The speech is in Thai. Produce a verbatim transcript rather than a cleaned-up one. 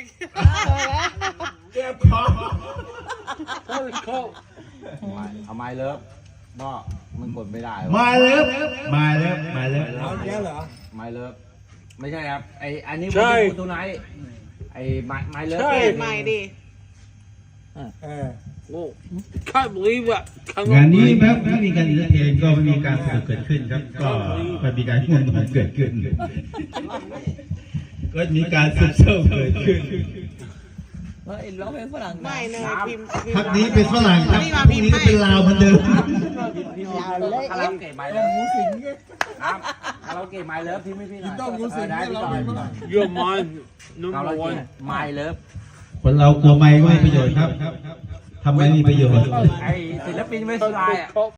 เจ็บคอเอาไม้เลิฟก็มันกดไม่ได้มาเลิฟมาเลิฟมาเลิฟเอาแล้วเหรอไม้เลิฟไม่ใช่ครับไออันนี้มันเป็นตัวไหนไอไม้ไม้เลิฟเปลี่ยนใหม่ดิเออ Can't believe it. งานนี้ครับไม่มีการเลือกเองก็ไม่มีการสนุกเกิดขึ้นครับ ก็ไม่มีการง่วงนอนเกิดขึ้น ก็มีการซึมเศร้าเกิดขึ้นเฮ้ยร้องเพลงฝรั่งไม่เนยพิมพ์พิมพักพ์นี้เป็นฝรั่งครับพรุ่งนี้ก็เป็นลาวเหมือนเดิมคาราโอเกะไม้เลิฟครับคาราโอเกะไม้เลิฟพี่ไม่พี่หน่อยต้องรู้สึกได้พี่ต่อย You're mine. คารา Number โอเกะ one. ไม้เลิฟคนเรากลัวไม่ก็ไม่มีประโยชน์ครับทำไมมีประโยชน์ไอศิลปินไม่สบายอ่ะ